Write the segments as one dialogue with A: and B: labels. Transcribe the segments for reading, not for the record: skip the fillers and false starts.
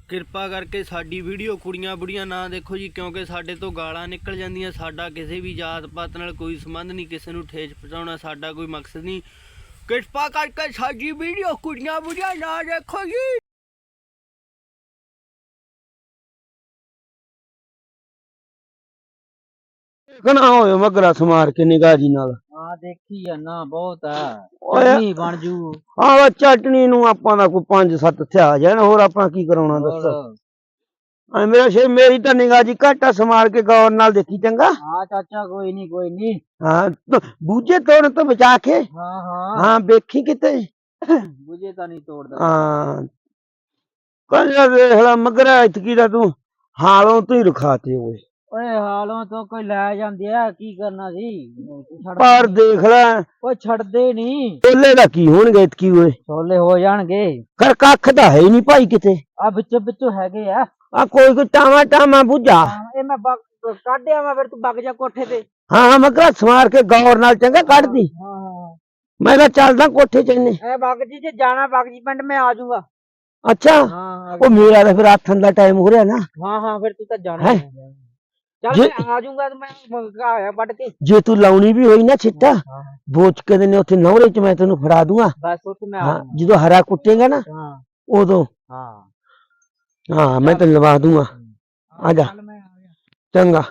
A: ਕਿਰਪਾ ਕਰਕੇ ਸਾਡੀ ਵੀਡੀਓ ਕੁੜੀਆਂ ਬੁੜੀਆਂ ਨਾ ਦੇਖੋ ਜੀ, ਕਿਉਂਕਿ ਸਾਡੇ ਤੋਂ ਗਾਲਾਂ ਨਿਕਲ ਜਾਂਦੀਆਂ। ਸਾਡਾ ਕਿਸੇ ਵੀ ਜਾਤ ਪਾਤ ਨਾਲ ਕੋਈ ਸੰਬੰਧ ਨਹੀਂ, ਕਿਸੇ ਨੂੰ ਠੇਸ ਪਹੁੰਚਾਉਣਾ ਸਾਡਾ ਕੋਈ ਮਕਸਦ ਨਹੀਂ। ਕਿਰਪਾ ਕਰਕੇ ਸਾਡੀ ਵੀਡੀਓ ਕੁੜੀਆਂ ਬੁੜੀਆਂ ਨਾ ਦੇਖੋ ਜੀ।
B: ਕਨਾ ਹੋਏ ਮਗਰਾ ਸਮਾਰ ਕੇ ਨਿਗਾਹ ਜੀ ਨਾਲ।
C: ਹਾਂ ਦੇਖੀ ਜਾਨਾ ਬਹੁਤ ਆ, ਚਟਨੀ ਬਣ ਜੂ।
B: ਹਾਂ ਚਟਨੀ ਨੂੰ ਆਪਾਂ ਦਾ ਕੋਈ 5-7 ਥਿਆ ਜਾਣ, ਹੋਰ ਆਪਾਂ ਕੀ ਕਰਾਉਣਾ ਦੱਸ। ਮੇਰਾ ਸ਼ੇ ਮੇਰੀ ਤਾਂ ਨਿਗਾਹ ਜੀ ਘੱਟ ਆ, ਸਮਾਰ ਕੇ ਗੌਰ ਨਾਲ ਦੇਖੀ ਚੰਗਾ।
C: ਹਾਂ ਚਾਚਾ ਕੋਈ ਨਹੀਂ ਕੋਈ ਨਹੀਂ।
B: ਹਾਂ ਬੂਝੇ ਤੋੜਨ ਤੋਂ ਬਚਾ ਕੇ।
C: ਹਾਂ ਹਾਂ
B: ਹਾਂ ਵੇਖੀ ਕਿਤੇ
C: ਬੁਝੇ ਤਾਂ ਨਹੀਂ ਤੋੜਦਾ।
B: ਹਾਂ ਕਹਿੰਦਾ ਵੇਖ ਲੈ ਮਗਰਾ ਇਤਕੀ ਦਾ ਤੂੰ ਹਾਲੋਂ ਤੂੰ ਹੀ ਰਖਾਤੇ ਓਏ।
C: ਓਏ ਹਾਲੋਂ ਤੋਂ ਕੋਈ ਲੈ ਜਾਂਦੇ ਆ, ਕੀ ਕਰਨਾ ਸੀ।
B: ਪਰ ਦੇਖ ਲੈ
C: ਓਏ ਛੱਡਦੇ ਨਹੀਂ।
B: ਛੋਲੇ ਦਾ ਕੀ ਹੋਣਗੇ ਇਤਕੀ ਓਏ।
C: ਛੋਲੇ ਹੋ ਜਾਣਗੇ।
B: ਕਰ ਕੱਖ ਤਾਂ ਹੈ ਹੀ ਨਹੀਂ ਭਾਈ ਕਿਤੇ।
C: ਆ ਵਿੱਚੋਂ ਵਿੱਚੋਂ ਹੈਗੇ ਆ।
B: ਆ ਕੋਈ ਟਾਵਾ ਟਾਵਾ ਬੁੱਝਾ।
C: ਇਹ ਮੈਂ ਕੱਢਿਆ ਮੈਂ, ਫਿਰ ਤੂੰ ਵਗ ਜਾ ਕੋਠੇ ਤੇ।
B: ਹਾਂ ਮਗਰਾ ਸਮਾਰ ਕੇ ਗੌਰ ਨਾਲ ਚੰਗਾ ਕੱਢਦੀ।
C: ਹਾਂ
B: ਮੈਂ ਤਾਂ ਚੱਲਦਾ ਕੋਠੇ ਚ ਇੰਨੇ।
C: ਇਹ ਵਗ ਜੀ, ਜੇ ਜਾਣਾ ਵਗ ਜੀ ਪਿੰਡ, ਮੈਂ ਆ ਜਾਊਗਾ।
B: ਅੱਛਾ
C: ਹਾਂ
B: ਉਹ ਮੇਰਾ ਤਾਂ ਫਿਰ ਆਥਣ ਦਾ ਟਾਈਮ ਹੋ ਰਿਹਾ ਨਾ।
C: ਹਾਂ ਹਾਂ ਫਿਰ ਤੂੰ ਤਾਂ ਜਾਣਾ। ਚੱਲ ਮੈਂ ਆ ਜਾਊਗਾ ਤੇ ਮੈਂ ਆਇਆ ਵੱਢ ਕੇ।
B: ਜੇ ਤੂੰ ਲਾਉਣੀ ਵੀ ਹੋਈ ਨਾ ਛਿੱਟਾ ਬੋਚ ਕੇ ਦੇ ਨੇ ਉੱਥੇ ਨੌਰੇ ਚ ਮੈਂ ਤੈਨੂੰ ਫੜਾ ਦੂੰਗਾ।
C: ਬਸ ਉੱਥੇ ਮੈਂ
B: ਹਾਂ ਜਦੋਂ ਹਰਾ ਕੁੱਟੇਗਾ ਨਾ ਉਦੋਂ।
C: ਹਾਂ
B: ਹਾਂ ਮੈਂ ਤੈਨੂੰ ਲਵਾ ਦੂੰਗਾ। ਆ ਜਾ ਚੰਗਾ।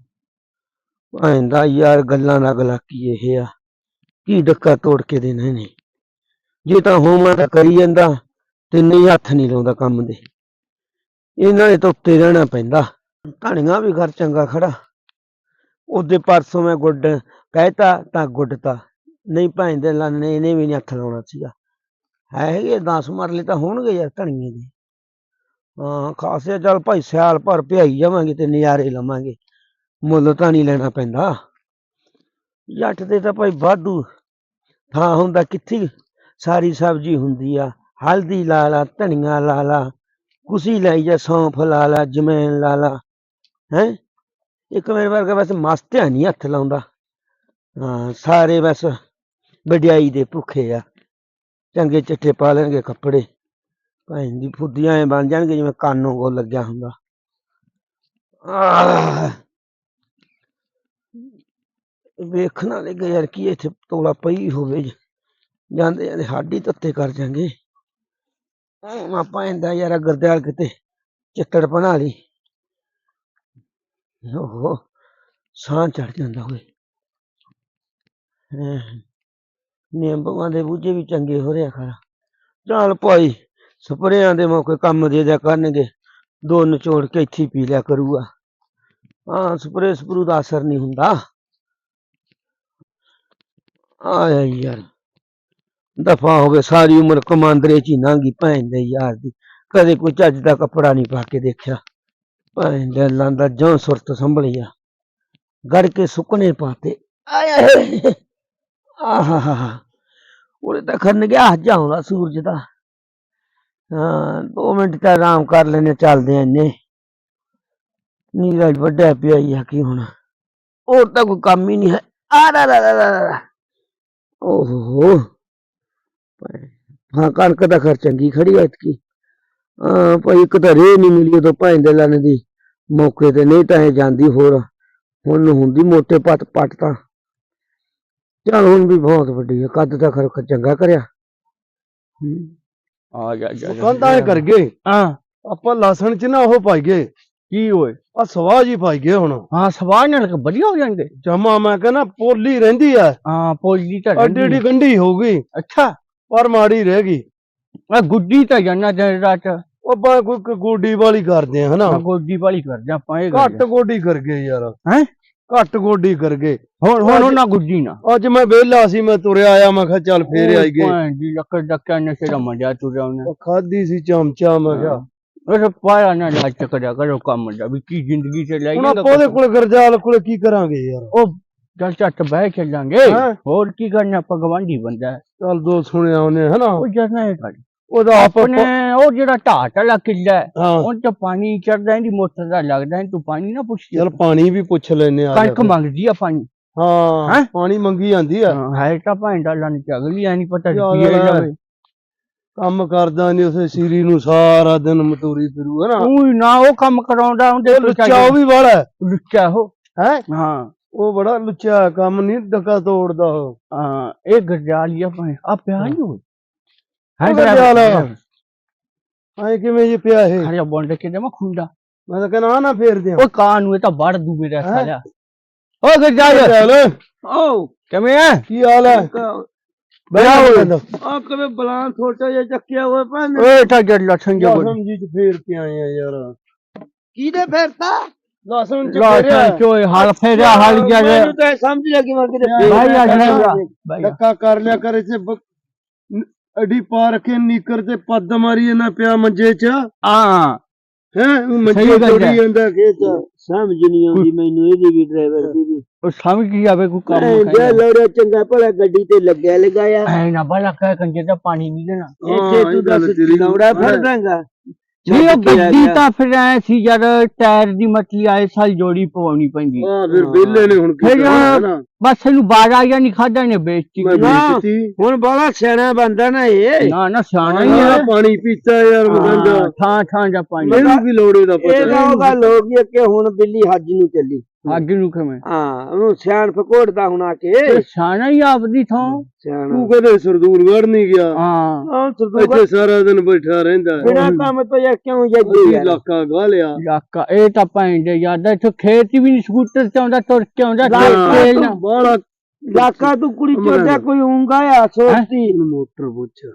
B: ਆਂਦਾ ਯਾਰ ਗੱਲਾਂ ਦਾ ਗਲਾ ਕੀ ਇਹ ਆ, ਕੀ ਡੱਕਾ ਤੋੜ ਕੇ ਦੇਣਾ ਨੇ। ਜੇ ਤਾਂ ਹੋਵਾਂ ਤਾਂ ਕਰੀ ਜਾਂਦਾ ਤੇ ਨਹੀਂ ਹੱਥ ਨਹੀਂ ਲਾਉਂਦਾ ਕੰਮ ਦੇ। ਇਹਨਾਂ ਨੇ ਤਾਂ ਉੱਤੇ ਰਹਿਣਾ ਪੈਂਦਾ। ਧਣੀਆਂ ਵੀ ਘਰ ਚੰਗਾ ਖੜਾ। ਉਹਦੇ ਪਰਸੋਂ ਮੈਂ ਗੁੱਡ ਕਹਿਤਾ ਤਾਂ ਗੁੱਡਤਾ, ਨਹੀਂ ਭੈਂਦੇ ਲਾਨੇ ਇਹਨੇ ਵੀ ਨਹੀਂ ਹੱਥ ਲਾਉਣਾ ਸੀਗਾ। ਹੈਗੇ 10 ਮਰਲੇ ਤਾਂ ਹੋਣਗੇ ਯਾਰ ਧਣੀਏ ਦੇ। ਹਾਂ ਖਾਸੇ ਚੱਲ ਭਾਈ ਸਿਆਲ ਭਰ ਭਿਆਈ ਜਾਵਾਂਗੇ ਤੇ ਨਜ਼ਾਰੇ ਲਵਾਂਗੇ, ਮੁੱਲ ਤਾਂ ਨਹੀਂ ਲੈਣਾ ਪੈਂਦਾ। ਜੱਟ ਦੇ ਤਾਂ ਭਾਈ ਵਾਧੂ ਥਾਂ ਹੁੰਦਾ, ਕਿੱਥੇ ਸਾਰੀ ਸਬਜ਼ੀ ਹੁੰਦੀ ਆ। ਹਲਦੀ ਲਾ ਲਾ, ਧਨੀਆ ਲਾ ਲਾ, ਕੁਸੀ ਲਾਈ ਜਾ, ਸੌਂਫ ਲਾ ਲਾ, ਜਮੈਨ ਲਾ ਲਾ। ਹੈਂ ਇੱਕ ਮੇਰੇ ਵਰਗਾ ਬਸ ਮਸਤਿਆ ਨਹੀਂ ਹੱਥ ਲਾਉਂਦਾ। ਹਾਂ ਸਾਰੇ ਬਸ ਵਡਿਆਈ ਦੇ ਭੁੱਖੇ ਆ। ਚੰਗੇ ਚਿੱਠੇ ਪਾ ਲੈਣਗੇ ਕੱਪੜੇ, ਭੈਣ ਦੀ ਫੁੱਦੀਆਂ ਐ ਬਣ ਜਾਣਗੇ ਜਿਵੇਂ ਕਾਨੋਂ ਕੋ ਲੱਗਿਆ ਹੁੰਦਾ। ਵੇਖਣਾ ਲੱਗੇ ਯਾਰ ਕੀ ਇੱਥੇ ਤੋਲਾ ਪਈ ਹੋਵੇ, ਜਾਂਦੇ ਜਾਂਦੇ ਹਾਡੀ ਤੱਤੇ ਕਰ ਜਾਂਗੇ। ਆਪਾਂ ਇਹਦਾ ਯਾਰ ਗੁਰਦਿਆਲ ਕਿਤੇ ਚਿੱਤੜ ਬਣਾ ਲਈ। ਓਹੋ ਸਾਹ ਚੜ ਜਾਂਦਾ ਹੋਏ। ਨਿੰਬੂਆਂ ਦੇ ਬੂਝੇ ਵੀ ਚੰਗੇ ਹੋ ਰਿਹਾ ਖਰਾ। ਚੱਲ ਭਾਈ ਸਪਰੇਆਂ ਦੇ ਮੌਕੇ ਕੰਮ ਦੇ ਦਿਆ ਕਰਨਗੇ, ਦੋ ਨਿਚੋੜ ਕੇ ਇੱਥੇ ਪੀ ਲਿਆ ਕਰੂਗਾ। ਹਾਂ ਸਪਰੇ ਸਪਰੂ ਦਾ ਅਸਰ ਨਹੀਂ ਹੁੰਦਾ। ਆਇਆ ਯਾਰ ਦਫਾ ਹੋ ਗਏ, ਸਾਰੀ ਉਮਰ ਕਮਾਂਦਰੇ ਚ ਹੀ ਲੰਘੀ ਭੈਣ ਦੇ ਯਾਰ ਦੀ। ਕਦੇ ਕੋਈ ਚੱਜ ਦਾ ਕੱਪੜਾ ਨਹੀਂ ਪਾ ਕੇ ਦੇਖਿਆ। ਭੈਣ ਦੇ ਲਾਂਦਾ ਜੋਂ ਸੁਰਤ ਸੰਭਲੀ ਆ, ਗੜ ਕੇ ਸੁੱਕਣੇ ਪਾਤੇ। ਆਇਆ ਆਹਾ ਉਹਦੇ ਤਾਂ ਖਰਨ ਗਿਆ ਹੱਜ ਆਉਂਦਾ ਸੂਰਜ ਦਾ। ਹਾਂ 2 ਮਿੰਟ ਤਾਂ ਆਰਾਮ ਕਰ ਲੈਨੇ, ਚੱਲਦੇ ਆ ਇੰਨੇ। ਨੀਰਜ ਵੱਡਿਆ ਪਿਆ ਹੀ ਆ ਕੀ ਹੁਣ, ਹੋਰ ਤਾਂ ਕੋਈ ਕੰਮ ਹੀ ਨਹੀਂ ਹੈ। ਓਹੋ ਹਾਂ ਕਣਕ ਦਾ ਖਰ ਚੰਗੀ ਖੜੀ ਐਤਕੀ। ਹਾਂ ਭਾਈ ਇੱਕ ਤਾਂ ਰੇਹ ਨਹੀਂ ਮਿਲੀ ਉਦੋਂ ਭਾਈ ਦੇ ਲਾਣੇ ਦੀ ਮੌਕੇ ਤੇ, ਨਹੀਂ ਤਾਂ ਇਹ ਜਾਂਦੀ ਹੋਰ ਹੁਣ ਹੁੰਦੀ ਮੋਟੇ ਪੱਟ ਤਾਂ। ਚੱਲ ਹੁਣ ਵੀ ਬਹੁਤ ਵੱਡੀ ਹੈ, ਕੱਦ ਦਾ ਖਰ ਚੰਗਾ ਕਰਿਆ।
D: ਆ ਜਾ
E: ਕੰਧਾਂ ਕਰ ਗਏ।
D: ਹਾਂ
E: ਆਪਾਂ ਲਸਣ ਚ ਨਾ ਉਹ ਪਾਈਏ,
D: ਕੀ ਓਏ?
E: ਆ ਸਵਾਹ ਜੀ ਪਾਈਏ ਹੁਣ।
D: ਹਾਂ ਸਵਾਹ ਨਾਲ ਵਧੀਆ ਹੋ ਜਾਣਗੇ।
E: ਜਮਾ ਮੈਂ ਕਹਿੰਦਾ ਪੋਲੀ ਰਹਿੰਦੀ ਆ,
D: ਹਾਂ ਪੋਲੀ ਤਾਂ
E: ਅੱਡੀ ਅੱਡੀ ਗੰਢੀ ਹੋ ਗਈ
D: ਅੱਛਾ
E: ਪਰ ਮਾੜੀ ਰਹਿ ਗਈ।
D: ਮੈਂ ਗੁੱਡੀ ਤਾਂ ਜਾਨਾ ਜਰਾ ਚ
E: ਉਹ ਬਾ ਕੋਈ ਗੋਡੀ ਵਾਲੀ ਕਰਦੇ ਆ ਹਨਾ,
D: ਗੋਡੀ ਵਾਲੀ ਕਰਦੇ ਆਪਾਂ। ਇਹ
E: ਘੱਟ ਗੋਡੀ ਕਰ ਗਏ ਯਾਰ।
D: ਹੈ
E: ਘੱਟ ਗੋਡੀ ਕਰ ਗਏ।
D: ਹੁਣ ਨਾ ਗੁੱਡੀ ਨਾ।
E: ਅੱਜ ਮੈਂ ਵਿਹਲਾ ਸੀ, ਮੈਂ ਤੁਰਿਆ ਆਇਆ, ਮੈਂ ਕਿਹਾ ਚੱਲ ਫੇਰ ਆਈ ਗਏ।
D: ਜੀ ਲੱਕੜ ਡੱਕਾ ਨਸ਼ੇ ਦਾ ਮਜ਼ਾ ਤੁਰਿਆ ਉਹਨੇ।
E: ਉਹ ਖਾਦੀ ਸੀ ਚਮਚਾ, ਮੈਂ ਕਿਹਾ
D: ਉਹ ਪਾਇਆ ਨਾ ਲੱਚ ਕਰਿਆ ਕਰੋ ਕੰਮ ਦਾ, ਵੀ ਕੀ ਜ਼ਿੰਦਗੀ ਚ ਲੈ
E: ਹੁਣ ਆਪਾਂ ਉਹਦੇ ਕੋਲ ਗਰਜਾਲ ਕੋਲ ਕੀ ਕਰਾਂਗੇ ਯਾਰ।
D: ਉਹ ਚੱਲ ਝੱਟ ਬਹਿ ਚੱਲਾਂਗੇ, ਹੋਰ ਕੀ ਕਰਨਾ, ਆਪਾਂ ਗਵਾਂਢੀ ਬੰਦਾ।
E: ਚੱਲ ਦੋ ਸੁਣਿਆ ਉਹਨੇ ਹਨਾ।
D: ਉਹ ਜਰਨਾ ਇਹ ਗੱਲ
E: ਉਹਦਾ
D: ਆਪਣੇ ਉਹ ਜਿਹੜਾ ਢਾਟ ਵਾਲਾ ਕਿੱਲਾ
E: ਹਾਂ
D: ਉਹ ਚ ਪਾਣੀ ਚੜਦਾ, ਇਹਦੀ ਮੋਟਰ ਦਾ ਲੱਗਦਾ, ਤੂੰ ਪਾਣੀ ਨਾ ਪੁੱਛ।
E: ਚੱਲ ਪਾਣੀ ਵੀ ਪੁੱਛ ਲੈਨੇ ਆ।
D: ਕਣਕ ਮੰਗਦੀ ਆ ਪਾਣੀ।
E: ਹਾਂ ਪਾਣੀ ਮੰਗੀ ਜਾਂਦੀ ਆ।
D: ਹੈ ਤਾਂ ਭਾਂਡਾ ਲੰਨ ਚ ਅਗਲੀ ਐ ਨਹੀਂ ਪਤਾ
E: ਕੰਮ ਕਰਦਾ ਨਹੀਂ ਉਸੇ ਸੀਰੀ ਨੂੰ ਸਾਰਾ ਦਿਨ ਮਤੂਰੀ ਫਿਰੂ ਹੈ ਨਾ
D: ਉਹ ਨਾ ਉਹ ਕੰਮ ਕਰਾਉਂਦਾ ਹੁੰਦੇ
E: ਲੁੱਚਾ ਉਹ ਵੀ ਵਾਲਾ
D: ਲੁੱਚਾ ਹੋ
E: ਹੈ
D: ਹਾਂ
E: ਉਹ ਬੜਾ ਲੁੱਚਾ ਕੰਮ ਨਹੀਂ ਡੱਕਾ ਤੋੜਦਾ ਉਹ
D: ਹਾਂ ਇਹ ਗਰਜਾਲੀਆ ਭਾਵੇਂ ਆ ਪਿਆ ਨਹੀਂ ਹੋਈ
E: ਉਹ ਗਰਜਾਲਾ। ਐ ਕਿਵੇਂ ਜੀ ਪਿਆ ਇਹ
D: ਖੜਿਆ ਬੋਂਡ ਕੇ ਦੇ ਮੈਂ ਖੁੰਡਾ
E: ਮੈਂ ਤਾਂ ਕਹਿੰਦਾ ਨਾ ਫੇਰ ਦਿਆਂ
D: ਉਹ ਕਾਂ ਨੂੰ ਇਹ ਤਾਂ ਵੜ ਦੂ ਮੇਰਾ ਸਾਲਿਆ ਓ ਗਰਜਾਲੀਆ
E: ਚੱਲ
D: ਓ ਕਿਵੇਂ ਆ
E: ਕੀ ਹਾਲ ਹੈ
D: ਬੜਾ ਹੋ
E: ਆ ਕਦੇ ਬਲਾਂ ਛੋਟਾ ਜਿਹਾ ਚੱਕਿਆ ਹੋਇਆ ਭੈਣ
D: ਓਏ ਤਾਂ ਜੜ ਲਠਣ ਜੇ
E: ਲਸਣ ਜੀ ਚ ਫੇਰ ਕੇ ਆਏ ਆ ਯਾਰ
B: ਕਿਹਦੇ ਫੇਰਤਾ
E: ਲਸਣ ਚ
D: ਲਠਣ ਚੋਏ ਹਾਲ ਫੇਰਿਆ ਹਾਲ ਗਿਆ
B: ਮੈਨੂੰ ਤਾਂ ਸਮਝ ਲੱਗੀ ਮੈਂ ਕਿਤੇ
D: ਭਾਈ ਆ ਗਿਆ
E: ਡੱਕਾ ਕਰ ਲਿਆ ਕਰ ਇਸੇ ਅਡੀ ਪਾ ਰੱਖੇ ਨੀਕਰ ਤੇ ਪੱਦ ਮਾਰੀ ਇਹਨਾਂ ਪਿਆ ਮੰਜੇ ਚ
D: ਹਾਂ
E: ਹੈ ਮੰਜੇ
D: ਸਹੀ ਗੱਲ
E: ਤੋੜੀ
D: ਹੈ।
E: ਜਾਂਦਾ ਖੇਤ
B: ਸਮਝ ਨਹੀਂ ਆਉਂਦੀ ਮੈਨੂੰ ਇਹਦੀ ਵੀ ਡਰਾਈਵਰ ਦੀ ਵੀ
D: ਉਹ ਸਮਝ ਕੀ ਆਵੇ ਕੋਈ ਕੰਮ
B: ਜੇ ਲੋੜਿਆ ਚੰਗਾ ਭਲਾ ਗੱਡੀ ਤੇ ਲੱਗਿਆ ਲਗਾਇਆ
D: ਐ ਨਾ ਬੜਾ ਕਹਿ ਕੰਜੇ ਦਾ ਪਾਣੀ ਨਹੀਂ ਦੇਣਾ
B: ਇੱਥੇ ਤੂੰ ਦੱਸ ਲੌੜਾ ਫੜਦਾਂਗਾ
D: ਨਹੀਂ ਉਹ ਗੱਡੀ ਤਾਂ ਫਿਰ ਐ ਸੀ ਜਦ ਟਾਇਰ ਦੀ ਮੱਛੀ ਆਏ ਸਾਲ ਜੋੜੀ ਪਵਾਉਣੀ ਪੈਂਦੀ
E: ਹਾਂ ਫਿਰ ਵਿਹਲੇ ਨੇ ਹੁਣ ਕੀ
D: ਫਿਰ
E: ਕਰਨਾ ਨਾ
D: ਬਸ ਇਹਨੂੰ ਬਾਰਾ ਜਾਂ ਨਹੀਂ ਖਾਦਾ ਨੇ ਵੇਚਤੀ
E: ਮੈਂ ਵੇਚਤੀ
B: ਹੁਣ ਬੜਾ ਸਿਆਣਾ ਬੰਦਾ ਨਾ ਇਹ
D: ਨਾ ਨਾ ਸਿਆਣਾ ਹੀ
E: ਯਾਰ
D: ਆ
E: ਪਾਣੀ ਪੀਤਾ ਯਾਰ ਮਗੰਦਾ
D: ਥਾਂ ਥਾਂ ਦਾ ਪਾਣੀ
E: ਮੈਨੂੰ ਵੀ ਲੋੜੇ ਦਾ ਪਤਾ
B: ਇਹ ਤਾਂ ਉਹ ਗੱਲ ਹੋ ਗਈ ਕਿ ਹੁਣ ਬਿੱਲੀ ਹੱਜ ਨੂੰ ਚੱਲੀ
D: ਅੱਗ ਨੂੰ ਕਿਵੇਂ
B: ਹਾਂ ਉਹਨੂੰ ਸਿਆਣ ਫਕੋੜਦਾ ਹੁਣ ਆ ਕੇ
D: ਇਹ ਸਿਆਣਾ ਹੀ ਆਪਦੀ ਥਾਂ
B: ਸਿਆਣਾ
E: ਤੂੰ ਕਦੇ ਸਰਦੂਲਗੜ੍ਹ ਨਹੀਂ ਗਿਆ
D: ਹਾਂ
E: ਇੱਥੇ ਸਾਰਾ ਦਿਨ ਬੈਠਾ ਰਹਿੰਦਾ
B: ਬਿਨਾ ਕੰਮ ਤੋਂ ਯਾਰ ਕਿਉਂ ਜਾਈਏ
E: ਅਸੀਂ
B: ਯਾਰ
E: ਇਲਾਕਾ ਗਾ ਲਿਆ
D: ਇਲਾਕਾ ਇਹ ਤਾਂ ਪੈਂਦੇ ਯਾਦ ਇੱਥੇ ਖੇਤ ਵੀ ਨਹੀਂ ਸਕੂਟਰ ਤੇ ਆਉਂਦਾ ਤੁਰ ਕੇ ਆਉਂਦਾ ਤੇਲ ਨਾਲ।
E: ਬਾਲਾ
B: ਲਾਕਾ ਤੂੰ ਕੁੜੀ ਚੋਦਾ ਕੋਈ ਉਂਗਾ ਆ ਸੋਚਦੀ
E: ਮੋਟਰ ਪੁੱਛ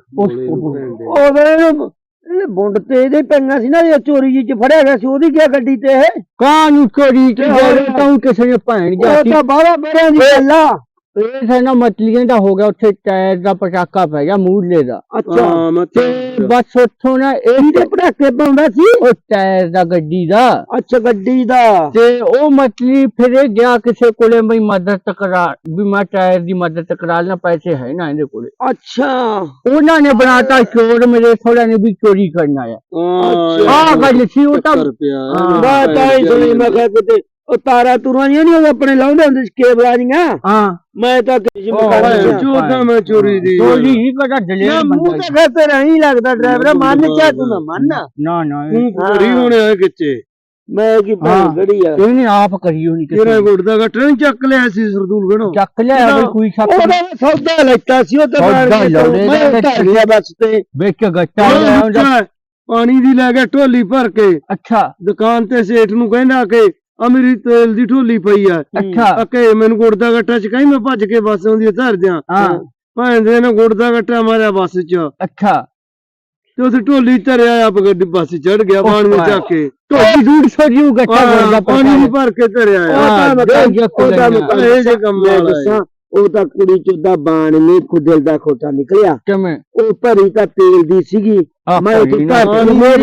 B: ਉਹਦੇ ਬੁੰਡ ਤੇ ਇਹਦੇ ਪੈਂਗਾ ਸੀ ਨਾ ਇਹ ਚੋਰੀ ਜੀ ਚ ਫੜਿਆ ਗਿਆ ਸੀ ਉਹਦੀ ਕੀ ਗੱਡੀ ਤੇ ਇਹ
D: ਕਾਂ ਨੂੰ ਚੋਰੀ ਕੀ ਤਾਂ ਕਿਸੇ ਨੇ ਭੈਣ
B: ਉਹ
D: ਜਾਤੀ
B: ਤਾਂ ਬਾਹਲਾ ਬੜਿਆਂ ਦੀ ਗੱਲ ਆ
D: ਇਹ ਹੈ ਨਾ ਮਤਲੀਆਂ ਦਾ ਹੋ ਗਿਆ ਉੱਥੇ ਟਾਇਰ ਦਾ ਪਟਾਕਾ ਪੈ ਗਿਆ ਮੂਹਰੇ ਦਾ
B: ਅੱਛਾ
E: ਹਾਂ ਮੈਂ
D: ਤੇ ਬਸ ਉੱਥੋਂ ਨਾ ਇਹ
B: ਇਹਦੇ ਪਟਾਕੇ ਪਾਉਂਦਾ ਸੀ
D: ਉਹ ਟਾਇਰ ਦਾ ਗੱਡੀ ਦਾ
B: ਅੱਛਾ ਗੱਡੀ ਦਾ
D: ਤੇ ਉਹ ਮਤਲੀ ਫਿਰ ਇਹ ਗਿਆ ਕਿਸੇ ਕੋਲੇ ਬਈ ਮਦਦ ਕਰਾ ਵੀ ਮੈਂ ਟਾਇਰ ਦੀ ਮਦਦ ਕਰਾ ਲੈਣਾ ਪੈਸੇ ਹੈ ਨਾ ਇਹਦੇ ਕੋਲੇ
B: ਅੱਛਾ
D: ਉਹਨਾਂ ਨੇ ਬਣਾਤਾ ਚੋਰ ਮੇਰੇ ਥੋੜਾ ਨੇ ਵੀ ਚੋਰੀ ਕਰਨਾ ਆ ਆਹ ਗੱਲ ਸੀ ਉਹ ਤਾਂ ਹਾਂ।
B: ਬਾਤ ਆਈ ਸੁਣੀ ਮੈਂ ਕਿਹਾ ਕਿਤੇ ਉਹ ਤਾਰਾ ਤੁਰਾਂ ਨਹੀਂ ਉਹ ਆਪਣੇ ਲਾਉਂਦੇ ਹੁੰਦੇ ਸੀ ਕੇਬਲਾਂ ਜੀਆਂ
D: ਹਾਂ
B: ਮੈਂ ਤਾਂ ਕਿਸੇ
D: ਉਹ
B: ਮਕਾਨ
E: ਚੋਦਾ ਮੈਂ ਚੋਰੀ ਦੀ
D: ਚੋਰੀ ਹੀ ਕਦਾ ਡਲੇ
B: ਨਾ ਮੂੰਹ ਤਾਂ ਖਾਤੇ ਨਹੀਂ ਲੱਗਦਾ ਡਰਾਈਵਰ ਮੰਨ ਚਾ ਤੂੰ ਨਾ ਮੰਨ
D: ਨਾ ਨਾ
E: ਤੂੰ ਘਰੀ ਹੋਣੇ ਆ ਕਿੱਥੇ
B: ਮੈਂ ਕੀ
D: ਹਾਂ।
B: ਗੜੀ ਆ
D: ਇਹਨੇ ਆਪ ਕਰੀ ਹੋਣੀ
E: ਤੇਰਾ ਗੁੱਟ ਦਾ ਟ੍ਰੇਨ ਚੱਕ ਲਿਆ ਸੀ ਸਰਦੂਲਗੜ੍ਹੋਂ
D: ਚੱਕ ਲਿਆ ਬਈ ਕੋਈ ਸ਼ੱਕ
B: ਉਹਦਾ ਸੌਦਾ ਲੈਤਾ ਸੀ ਉਹ ਤਾਂ
D: ਸੌਦਾ ਲਾਉਣੇ ਦਾ
B: ਮੈਂ ਧਰ ਗਿਆ ਬੱਸ ਤੇ
D: ਵੇਚ ਕੇ ਗੱਟਾ ਲਿਆ ਹੁੰਦਾ।
E: ਪਾਣੀ ਦੀ ਲੈ ਕੇ ਢੋਲੀ ਭਰ ਕੇ
D: ਅੱਛਾ
E: ਦੁਕਾਨ ਤੇ ਸੇਠ ਨੂੰ ਕਹਿੰਦਾ ਕਿ ਆ ਮੇਰੀ ਤੇਲ ਦੀ ਢੋਲੀ ਪਈ ਆ
D: ਅੱਛਾ
E: ਕਿ ਮੈਨੂੰ ਗੁੜ ਦਾ ਗੱਟਾ ਚ ਕਹੀਂ ਮੈਂ ਭੱਜ ਕੇ ਬੱਸ ਆਉਂਦੀ ਧਰ ਦਿਆਂ
D: ਹਾਂ
E: ਭਾਂ ਦੇ ਨੇ ਗੁੜ ਦਾ ਗੱਟਾ ਮਾਰਿਆ ਬੱਸ ਚ
D: ਅੱਛਾ
E: ਤੇ ਉੱਥੇ ਢੋਲੀ ਧਰਿਆ ਆਪ ਗੱਡੀ ਬੱਸ ਚੜ ਗਿਆ ਪਾਣੀ ਵਿੱਚ ਚੱਕ ਕੇ
D: ਢੋਲੀ ਦੂਰ ਸੋਜੂ ਗੱਟਾ
E: ਹਾਂ, ਪਾਣੀ ਨਹੀਂ ਭਰ ਕੇ ਧਰਿਆ
D: ਹਾਂ,
E: ਇਹ ਜੇ ਕੰਮ ਵਾਲਾ ਹੈ।
B: ਉਹ ਤਾਂ ਕੁੜੀ ਚੋਦਾ ਬਾਣ ਨੇ ਖੁਦਲ ਦਾ ਖੋਟਾ ਨਿਕਲਿਆ
D: ਕਿਵੇਂ
B: ਉਹ ਭਰੀ ਤਾਂ ਤੇਲ ਦੀ ਸੀਗੀ ਮੈਂ ਉੱਥੇ ਘਰ ਮੇਰੀ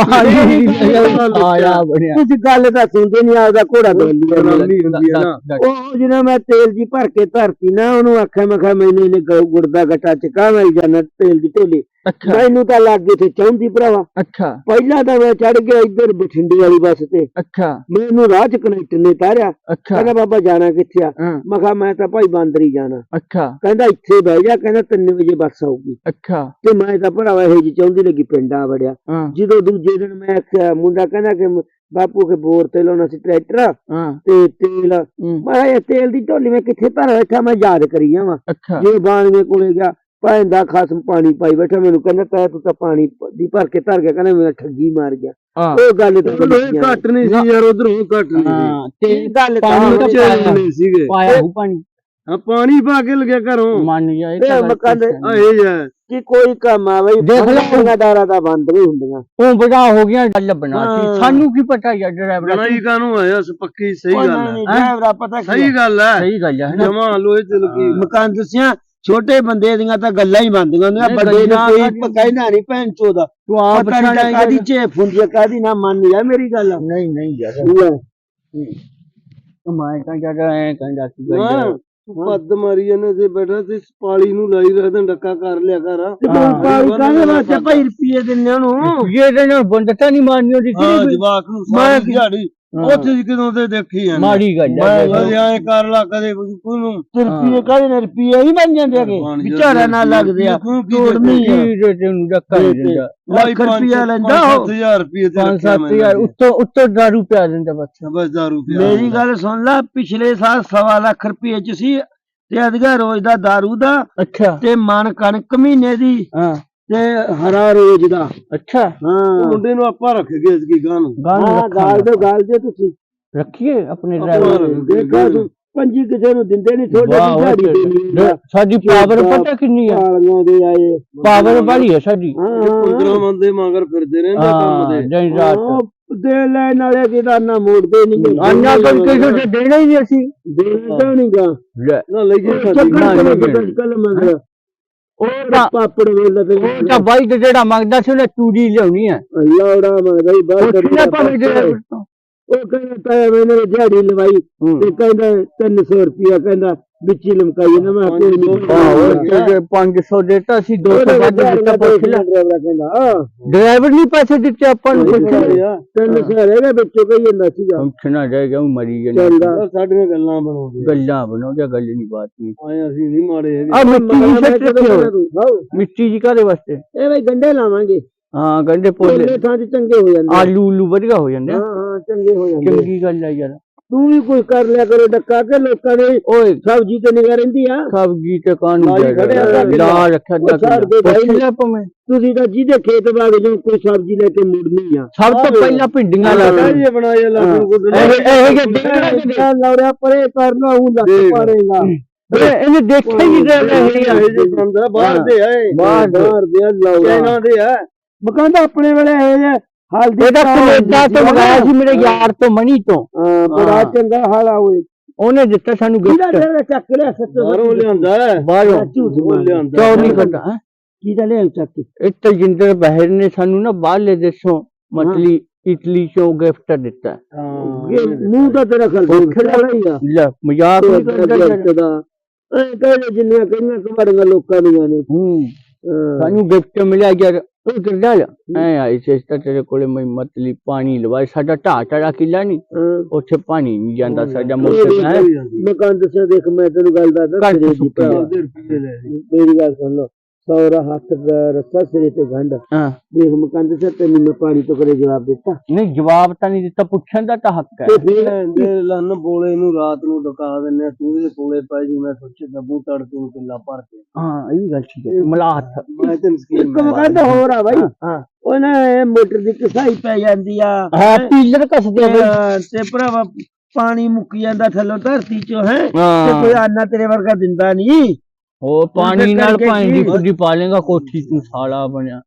D: ਆਇਆ ਬੜਿਆ
B: ਤੁਸੀਂ ਗੱਲ ਤਾਂ ਸੁਣਦੇ ਨਹੀਂ ਆਪਦਾ ਘੋੜਾ ਬੋਲੀ
E: ਬਰਾਬਰੀ ਹੁੰਦੀ ਹੈ ਨਾ
B: ਉਹ ਜਿਹਨੇ ਮੈਂ ਤੇਲ ਦੀ ਭਰ ਕੇ ਧਰਤੀ ਨਾ ਉਹਨੂੰ ਆਖਿਆ ਮੈਂ ਕਿਹਾ ਮੈਨੂੰ ਇਹਨੇ ਗੁੜ ਦਾ ਗੱਟਾ ਚਕਾ ਮਿਲ ਜਾਣਾ ਤੇਲ ਦੀ ਢੋਲੀ
D: ਅੱਛਾ
B: ਮੈਨੂੰ ਤਾਂ ਲੱਗ ਗਈ ਤੇ ਚਾਹੁੰਦੀ ਭਰਾਵਾ
D: ਅੱਛਾ
B: ਪਹਿਲਾਂ ਤਾਂ ਮੈਂ ਚੜ ਗਿਆ ਇੱਧਰ ਬਠਿੰਡੇ ਵਾਲੀ ਬੱਸ ਤੇ
D: ਅੱਛਾ
B: ਮੈਨੂੰ ਰਾਹ ਚ ਕਨੈਕਟਰ ਨੇ ਤਾਰਿਆ
D: ਅੱਛਾ
B: ਕਹਿੰਦਾ ਬਾਬਾ ਜਾਣਾ ਕਿੱਥੇ ਆ
D: ਹਾਂ
B: ਮੈਂ ਕਿਹਾ ਮੈਂ ਤਾਂ ਭਾਈ ਬਾਂਦਰੀ ਜਾਣਾ
D: ਅੱਛਾ
B: ਕਹਿੰਦਾ ਇੱਥੇ ਬਹਿ ਜਾ ਕਹਿੰਦਾ 3 ਵਜੇ ਬੱਸ ਆਊਗੀ
D: ਅੱਛਾ
B: ਤੇ ਮੈਂ ਤਾਂ ਭਰਾਵਾ ਇਹ ਜੀ ਚਾਹੁੰਦੀ ਲੱਗੀ ਪਿੰਡਾਂ ਵੜਿਆ
D: ਹਾਂ
B: ਜਦੋਂ ਦੂਜੇ ਦਿਨ ਮੈਂ ਆਖਿਆ ਮੁੰਡਾ ਕਹਿੰਦਾ ਕਿ ਬਾਪੂ ਕੇ ਬੋਰ ਤੇ ਲਾਉਣਾ ਸੀ ਟਰੈਕਟਰ
D: ਹਾਂ
B: ਤੇ ਤੇਲ ਮੈਂ ਕਿਹਾ ਇਹ ਤੇਲ ਦੀ ਢੋਲੀ ਮੈਂ ਕਿੱਥੇ ਧਰ ਬੈਠਾ ਮੈਂ ਯਾਦ ਕਰੀ ਜਾਵਾਂ
D: ਅੱਛਾ
B: ਜੇ ਬਾਣਵੇ ਕੋਲੇ ਗਿਆ ਭਾਂਦਾ ਖਾਸਮ ਪਾਣੀ ਪਾਈ ਬੈਠਾ ਮੈਨੂੰ ਕਹਿੰਦਾ ਤੂੰ ਤਾਂ ਪਾਣੀ ਦੀ ਭਰ ਕੇ ਧਰ ਗਿਆ ਕਹਿੰਦਾ ਮੇਰਾ ਠੱਗੀ ਮਾਰ ਗਿਆ
D: ਹਾਂ
B: ਉਹ ਗੱਲ ਤਾਂ
E: ਇਹ ਘੱਟ ਨਹੀਂ ਸੀ ਯਾਰ ਉਧਰੋਂ ਘੱਟ ਨਹੀਂ ਸੀ
D: ਹਾਂ ਤੇ
B: ਇਹ ਗੱਲ
D: ਪਾਣੀ
B: ਤਾਂ
D: ਤਾਂ
E: ਬੱਚੇ ਨਹੀਂ ਸੀਗੇ
D: ਪਾਇਆ ਹੂ ਪਾਣੀ
E: ਹਾਂ ਪਾਣੀ ਪਾ ਕੇ ਲਗਿਆ ਘਰੋਂ
D: ਮੰਨ ਗਿਆ ਇਹ
B: ਇਹ
D: ਤਾਂ ਗੱਲ
B: ਮਕਾਨ ਦੇ-
D: ਸਹੀ ਹੈ।
E: ਆ ਇਹ ਜਾ
B: ਕਿ ਕੋਈ ਕੰਮ ਆ ਬਈ
D: ਦੇਖ ਲੈ।
B: ਦੁਕਾਨਦਾਰਾਂ ਦਾ ਬੰਦ ਵੀ ਹੁੰਦੀਆਂ
D: ਉਹ ਬੜਾ ਹੋ ਗਿਆ ਗੱਲ ਬਣਾਤੀ
B: ਹਾਂ।
D: ਸਾਨੂੰ ਕੀ ਪਤਾ ਯਾਰ ਡਰਾਈਵਰ
E: ਬਣਾਈ ਕਾਨੂੰ ਆਇਆ ਪੱਕੀ ਸਹੀ ਗੱਲ ਹੈ
B: ਡਰਾਈਵਰਾ ਪਤਾ ਕੀ
E: ਸਹੀ ਗੱਲ ਹੈ
D: ਸਹੀ ਗੱਲ ਹੈ ਨਾ
E: ਜਮਾ ਲੋਹੇ ਚ ਲੱਗੀ
B: ਮਕਾਨ ਦੱਸਿਆ ਛੋਟੇ ਬੰਦੇ ਦੀਆਂ ਤਾਂ ਗੱਲਾਂ ਹੀ ਬੰਦੀਆਂ ਹੁੰਦੀਆਂ
D: ਨਹੀਂ,
B: ਵੱਡੇ
D: ਗੱਲਾਂ
B: ਨੇ
D: ਕਾਹਦੀਆਂ?
B: ਕੋਈ ਕਹਿਣਾ ਨਹੀਂ ਭੈਣ ਚੋਦਾ
D: ਤੂੰ ਆਪ
B: ਪਤਾ ਨਹੀਂ ਕਾਦੀ ਝੇਪ ਹੁੰਦੀ ਆ ਕਾਦੀ ਨਾ ਮੰਨ ਜਾ ਮੇਰੀ ਗੱਲ
D: ਨਹੀਂ ਨਹੀਂ ਯਾਰ
B: ਲੈ,
D: ਮੈਂ ਤਾਂ ਜਦ ਐ ਕਹਿੰਦਾ ਸੀ ਗੱਲ
E: ਹਾਂ ਤੂੰ ਪੱਦ ਮਾਰੀ ਇਹਨੇ ਤੇ ਬੈਠਾ ਤੇ ਪਾਲੀ ਨੂੰ ਲਾਈ ਰੱਖਦਾ ਡੱਕਾ ਕਰ ਲਿਆ ਕਰ
B: ਤੇ ਤੂੰ ਪਾਲ ਕਾਹਦੇ ਵਾਸਤੇ ਭਾਈ ਰੁਪਏ ਦਿੰਨੇ ਉਹਨੂੰ
D: ਇਹ ਦੇ ਨਾਲ ਬੰਦਤਾ ਨਹੀਂ ਮਾਰਨੀ ਉਹਦੀ
E: ਹਾਂ ਜਵਾਕ ਨੂੰ ਸਾਰੀ ਦਿਹਾੜੀ ਉੱਥੇ ਜੀ ਕਿਦੋਂ ਤੇ ਦੇਖੀ ਜਾਂਦੇ
D: ਮਾੜੀ ਗੱਲ ਹੈ
E: ਕਦੇ ਐ ਕਰ ਲਾ ਕਦੇ ਉਹਨੂੰ
B: ਰੁਪਏ ਕਾਹਦੇ ਨੇ ਰੁਪਏ ਹੀ ਬਣ ਜਾਂਦੇ ਹੈਗੇ ਵਿਚਾਰਾ ਨਾਲ ਲੱਗਦੇ ਆ ਤੋੜਨੀ ਆ
D: ਕੀ ਤੈਨੂੰ ਧੱਕਾ ਨਹੀਂ ਦਿੰਦਾ
B: ਲੱਖ ਰੁਪਇਆ ਲੈਂਦਾ ਉਹ
E: 5000 ਰੁਪਏ ਤੇ
D: 5-7 ਉੱਤੋਂ ਦਾਰੂ ਪਿਆ ਦਿੰਦਾ ਬੱਚਾ
E: ਬਸ ਦਾਰੂ ਪਿਆ
B: ਮੇਰੀ ਗੱਲ ਸੁਣ ਲੈ ਪਿਛਲੇ ਸਾਲ 1.25 ਲੱਖ ਰੁਪਏ ਚ ਸੀ ਤੇ ਅਧਿਕਾ ਰੋਜ਼ ਦਾ ਦਾਰੂ ਦਾ
D: ਅੱਛਾ
B: ਤੇ ਮਨ ਕਣਕ ਮਹੀਨੇ ਦੀ
D: ਹਾਂ
B: ਤੇ ਹਰਾ ਰੋਜ਼ ਦਾ
D: ਅੱਛਾ
B: ਹਾਂ
E: ਮੁੰਡੇ ਨੂੰ ਆਪਾਂ ਰੱਖ ਗਏ ਇਸ ਕੀ ਗਾਂ ਨੂੰ
B: ਗਾਲ ਦੇ ਤੁਸੀਂ
D: ਰੱਖੀਏ ਆਪਣੇ ਡਰਾਈਵਰ
B: ਦੇਖੋ ਤੂੰ ਪੰਜੀ ਕਿਸੇ ਨੂੰ ਦਿੰਦੇ ਨਹੀਂ ਥੋੜੇ
D: ਵਾਹ,
B: ਦੀ ਦਿਹਾੜੀ ਦੇਣੀ ਆ।
D: ਸਾਡੀ ਪਾਵਰ ਪਤਾ ਕਿੰਨੀ ਆ
B: ਗਾਲੀਆਂ ਦੇ ਆਏ
D: ਪਾਵਰ ਵਾਲੀ ਹੈ ਸਾਡੀ
E: 15 ਬੰਦੇ ਮਗਰ ਫਿਰਦੇ ਰਹਿੰਦੇ ਕੰਮ ਦੇ
D: ਦਿਨ ਰਾਤ
B: ਦੇ ਲੈਣ ਵਾਲੇ ਕਿਹਦਾ ਨਾ ਮੋੜਦੇ ਨਹੀਂ
D: ਅੰਨਾ ਕਰਕੇ ਤੇ ਦੇਣਾ ਹੀ ਨਹੀਂ ਅਸੀਂ
B: ਦੇਣਾ ਨਹੀਂਗਾ
D: ਲੈ,
E: ਨਾ ਲੈ ਗਏ
B: ਚੱਕਰ ਕੱਲ ਮਗਰ
D: ਉਹ ਤਾਂ
B: ਪਾਪੜ ਵੇਲੇ ਤੇ
D: ਉਹ ਤਾਂ ਬਾਈ ਤੇ ਜਿਹੜਾ ਮੰਗਦਾ ਸੀ ਉਹਨੇ ਤੂੜੀ ਲਿਆਉਣੀ ਆ
B: ਲੌੜਾ ਮੰਗਦਾ ਹੀ ਬਾਹਰ
D: ਪੁੱਛਣਾ ਭਾਵੇਂ ਡਰਾਈਵਰ ਤੋਂ
B: ਉਹ ਕਹਿੰਦਾ ਤਾਇਆ ਮੈਨੇ ਦਿਹਾੜੀ ਲਵਾਈ ਤੇ ਕਹਿੰਦਾ 300 ਰੁਪਿਆ ਕਹਿੰਦਾ ਵਿੱਚ ਹੀ ਲਮਕਾਈ ਨਾ ਮੈਂ ਕੋਈ ਨਹੀਂ
D: ਤੇ 500 ਦੇਤਾ ਸੀ 200 ਵੱਧ ਦਿੱਤਾ ਪੁੱਛ ਲੈ
B: ਕਹਿੰਦਾ
D: ਡਰਾਈਵਰ ਨਹੀਂ ਪੈਸੇ ਦਿੱਤੇ ਆਪਾਂ ਨੂੰ ਪੁੱਛ ਲੈ
B: 300 ਰਹਿ ਵਿੱਚੋਂ ਕਹੀ ਜਾਂਦਾ ਸੀਗਾ
D: ਪੁੱਛਣਾ ਰਹਿ ਗਿਆ ਉਹ ਮਰੀ ਜਾਂਦਾ
B: ਚੱਲਦਾ
E: ਸਾਡੀਆਂ ਗੱਲਾਂ ਬਣਾਉਂਦੇ
D: ਗੱਲਾਂ ਬਣਾਉਂਦੇ ਗੱਲ ਨਹੀਂ ਬਾਤ ਨਹੀਂ
E: ਆਏ ਅਸੀਂ ਨਹੀਂ ਮਾੜੇ ਹੈਗੇ
D: ਆ ਮਿੱਟੀ ਦੀ ਸੱਟ ਰੱਖਿਓ ਮਿੱਟੀ ਜੀ ਕਾਦੇ ਵਾਸਤੇ
B: ਇਹ ਬਈ ਗੰਡੇ ਲਾਵਾਂਗੇ
D: ਹਾਂ ਗੰਡੇ
B: ਪੋਲੇ
D: ਪੋਲੇ
B: ਥਾਂ ਚ ਚੰਗੇ ਹੋ ਜਾਂਦੇ
D: ਆਲੂ ਉਲੂ ਵਧੀਆ ਹੋ ਜਾਂਦੇ ਆ।
B: ਹਾਂ ਚੰਗੇ ਹੋ ਜਾਂਦੇ
D: ਚੰਗੀ ਗੱਲ ਆ ਯਾਰ
B: ਤੂੰ ਵੀ ਕੋਈ ਕਰ ਲਿਆ ਕਰੋ ਡੱਕਾ ਕੇ ਲੋਕਾਂ ਦੇ
D: ਓਏ
B: ਸਬਜ਼ੀ ਤੇ ਨਿਗਾਹ ਰਹਿੰਦੀ ਆ
D: ਸਬਜ਼ੀ ਤੇ ਕਾਨੂੰ
B: ਲਾਈ ਖੜਿਆ ਕਰ
D: ਲਾ ਰੱਖਿਆ
B: ਉਹ ਛੱਡ ਦੇ
D: ਪੁੱਛ
B: ਭਾਈ।
D: ਲੈ ਭਾਵੇਂ
B: ਤੁਸੀਂ ਤਾਂ ਜਿਹਦੇ ਖੇਤ ਬਾਗ ਜੋ ਕੋਈ ਸਬਜ਼ੀ ਲੈ ਕੇ ਮੁੜਨੀ ਆ
D: ਸਭ ਤੋਂ ਪਹਿਲਾਂ ਭਿੰਡੀਆਂ ਲਾ ਦੇ
E: ਇਹ ਬਣਾਏ ਲਾਗੂ ਗੁੱਡ
D: ਇਹ ਜੇ
B: ਲੌੜਿਆ ਪਰੇ ਕਰਨਾ ਉਹ ਲੱਗ ਪਾਰੇਗਾ
D: ਇਹਨੇ ਦੇਖਿਆ ਹੀ ਨਹੀਂ
E: ਇਹ ਜੇ ਬੰਦਾ ਬਾਹਰ ਦੇ ਆਏ
B: ਬਾਹਰ ਦੇ ਲੌੜਾ
E: ਚਾਈਨਾ ਦੇ ਆ
B: ਮਕਾਨ ਆਪਣੇ ਵੇਲੇ ਇਹ ਜੇ ਹਲਦੀ
D: ਇਹਦਾ ਕੈਨੇਡਾ ਤੋਂ ਮੰਗਾਇਆ ਸੀ ਮੇਰੇ ਯਾਰ ਤੋਂ ਮਣੀ ਤੋਂ
B: ਬੜਾ ਚੰਗਾ ਹਾਲ ਆ ਓਏ
D: ਉਹਨੇ ਦਿੱਤਾ ਸਾਨੂੰ
B: ਕਿਹਦਾ
D: ਗਿਫਟ
B: ਲੈ ਚੱਕ ਲਿਆ ਸੱਚੋ
E: ਬਾਹਰੋਂ ਲਿਆਂਦਾ ਹੈ
D: ਬਾਹਰੋਂ
B: ਝੂਠ
E: ਉਹ ਲਿਆਂਦਾ
D: ਕਿਉਂ ਨਹੀਂ ਕਰਦਾ ਹੈਂ?
B: ਕਿਹਦਾ ਲਿਆ ਚੱਕ ਕੇ
D: ਇਹ ਤਜਿੰਦਰ ਬਹਿਰ ਨੇ ਸਾਨੂੰ ਨਾ ਬਾਹਰਲੇ ਦੇਸ਼ੋਂ ਮਤਲਬ ਇਟਲੀ ਚੋਂ ਗਿਫਟ ਦਿੱਤਾ
B: ਇਹ ਮੂੰਹ ਦਾ ਤੇਰਾ ਖਲ ਖੜਾ ਹੀ ਆ
D: ਲੈ ਮਜ਼ਾਕ ਨਹੀਂ ਕਰਦਾ ਯਾਰ।
B: ਦਾ ਐ ਕਹਿੰਦੇ ਜਿੰਨੀਆਂ ਕਈਆਂ ਕਮਾੜੀਆਂ ਲੋਕਾਂ ਦੀਆਂ ਨੇ
D: ਸਾਨੂੰ ਗਿਫਟ ਮਿਲਿਆ ਯਾਰ ਉਹ ਕਿਰਦਾ ਐ ਆਈ ਸਿਸਟਰ ਤੇਰੇ ਕੋਲੇ ਮੈਂ ਮਤਲਬ ਪਾਣੀ ਲਵਾਏ ਸਾਡਾ ਢਾਟੜਾ ਕਿਲਾ ਨਹੀਂ ਉੱਥੇ ਪਾਣੀ ਨਹੀਂ ਜਾਂਦਾ ਸਾਡਾ ਮੋਟਰ ਹੈ
B: ਮਕਾਨ ਦੱਸਿਆ ਦੇਖ ਮੈਂ ਤੈਨੂੰ ਗੱਲ ਦੱਸਦਾ
D: ਘੱਟ
B: ਤੇਰੇ ਦੀ
D: ਸੁੱਕੀ
B: ਭਰਾ।
D: ਆ।
B: ਮੇਰੀ ਗੱਲ ਸੁਣ ਲਓ ਸੌਰਾ ਹੱਥ ਰੱਸਾ ਸਿਰੇ ਤੇ ਗੰਢ
D: ਹਾਂ
B: ਦੇਖ ਮਕਾਨ ਦੱਸਿਆ ਤੈਨੂੰ ਮੈਂ ਪਾਣੀ ਤੋਂ ਕਰੇ ਜਵਾਬ ਦਿੱਤਾ
D: ਨਹੀਂ ਜਵਾਬ ਤਾਂ ਨਹੀਂ ਦਿੱਤਾ ਪੁੱਛਣ ਦਾ ਤਾਂ ਹੱਕ ਹੈ
B: ਤੇ ਫਿਰ
E: ਦੇ ਲੰਨ ਬੋਲੇ ਨੂੰ ਰਾਤ ਨੂੰ ਡਕਾ ਦਿੰਨੇ ਤੂੰ ਇਹਦੇ ਕੋਲੇ ਪੈ ਜੀ ਮੈਂ ਸੋਚੇ ਦਬੂ ਤੜਕੇ ਨੂੰ ਕਿੱਲਾ ਭਰ ਕੇ
D: ਹਾਂ ਇਹ ਵੀ ਗੱਲ ਠੀਕ ਹੈ ਮਲਾਹਤ
E: ਮੈਂ ਤੈਨੂੰ ਸਕੀਮ
B: ਇੱਕ ਮਕਾਨ ਹੋਰ ਆ ਬਾਈ ਉਹਨਾਂ ਮੋਟਰ ਦੀ ਕਸਾਈ ਪੈ ਜਾਂਦੀ ਆ
D: ਹੈ ਪੀਲਰ ਕੱਸਦੇ ਆ ਬਈ।
B: ਤੇ ਭਰਾਵਾ ਪਾਣੀ ਮੁੱਕ ਜਾਂਦਾ ਥੱਲੋਂ ਧਰਤੀ ਚੋਂ ਹੈ ਤੇ
D: ਹਾਂ
B: ਕੋਈ ਆਨਾ ਤੇਰੇ ਵਰਗਾ ਦਿੰਦਾ ਨਹੀਂ
D: ਉਹ ਪਾਣੀ ਨਾਲ
B: ਕਰਕੇ
D: ਪਾਣੀ ਦੀ
B: ਕੀ?
D: ਫੁੱਡੀ ਪਾ ਲੇਗਾ ਕੋਠੀ ਤੂੰ ਸਾਲਾ ਬਣਿਆ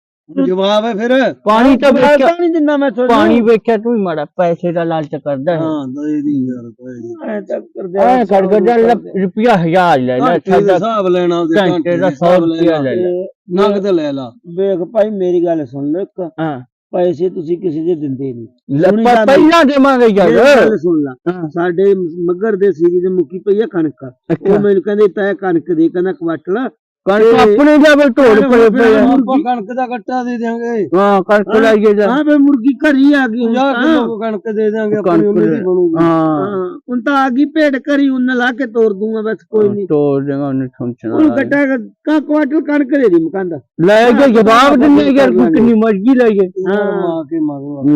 E: ਜਵਾਬ ਹੈ ਫਿਰ
D: ਪਾਣੀ ਤਾਂ ਵੇਖਿਆ
B: ਨਹੀਂ ਦਿੰਦਾ ਮੈਂ ਤੁਹਾਨੂੰ
D: ਪਾਣੀ ਵੇਖਿਆ ਤੂੰ ਹੀ ਮਾੜਾ ਪੈਸੇ ਦਾ ਲਾਲਚ ਕਰਦਾ ਹੈ
E: ਹਾਂ ਦੇ ਦੀ ਯਾਰ ਕੋਈ ਨਹੀਂ
B: ਐ ਤਾਂ ਕਰਦੇ
D: ਐ ਕਰ ਜਾ ਰੁਪਿਆ 1000 ਲੈ ਲੈ
E: ਘੰਟੇ ਦਾ
D: ਸਾਡਾ
E: ਹਿਸਾਬ ਲੈਣਾ ਉਹਦੇ
D: ਘੰਟੇ ਦਾ 100 ਰੁਪਿਆ ਲੈ ਲੈ
E: ਨਗਦ ਲੈ ਲਾ
B: ਵੇਖ ਭਾਈ ਮੇਰੀ ਗੱਲ ਸੁਣ ਲਓ ਇੱਕ
D: ਹਾਂ
B: ਪੈਸੇ ਤੁਸੀਂ ਕਿਸੇ ਦੇ ਦਿੰਦੇ ਨਹੀਂ
D: ਲੱਪਾ ਪਹਿਲਾਂ ਦੇਵਾਂਗੇ
B: ਮੇਰੀ
D: ਯਾਰ
B: ਗੱਲ ਸੁਣ ਲਾ
D: ਹਾਂ।
B: ਸਾਡੇ ਮੱਗਰ ਦੇ ਸੀਰੀ ਦੇ ਮੁੱਕੀ ਪਈ ਆ ਕਣਕ ਉਹ ਮੈਨੂੰ ਕਹਿੰਦੇ ਤੈ ਕਣਕ ਦੇ ਕਹਿੰਦਾ ਕੁਆਟਲ
D: ਕਣਕ ਆਪਣੇ ਜਾਵੇ ਢੋਲ ਪਏ ਪਏ ਆ।
E: ਆਪਾਂ ਕਣਕ ਦਾ ਗੱਟਾ ਦੇ ਦਿਆਂਗੇ
D: ਹਾਂ ਕਣਕ ਲਾਈਏ ਜਾ
B: ਹਾਂ ਬੇ ਮੁਰਗੀ ਘਰੀ ਆ ਗਈ
E: 50 ਕਿਲੋ ਕਣਕ ਦੇ ਦਿਆਂਗੇ ਆਪਣੀ ਉਹਨੇ ਦੀ ਬਣੂਗੀ
D: ਹਾਂ
B: ਹੁਣ ਤਾਂ ਆ ਗਈ ਭੇਡ ਘਰੀ ਉਹਨਾਂ ਲਾ ਕੇ ਤੋੜ ਦੂੰਗਾ ਬਸ ਕੋਈ ਨਹੀਂ
D: ਤੋੜ ਦੇਗਾ ਉਹਨੇ ਠੁੰਚਣਾ
B: ਹੁਣ ਗੱਟਾ ਕਾ ਕੁਆਟਲ ਕਣਕ ਦੇ ਦੀ ਮਕਾਨ ਦਾ
D: ਲੈ ਕੇ ਜਵਾਬ ਦਿੰਦੇ ਯਾਰ ਕੋਈ ਕਿੰਨੀ ਮਰਜ਼ੀ ਲਾਈਏ
E: ਮਾਂ ਕੇ ਮਾਰੂ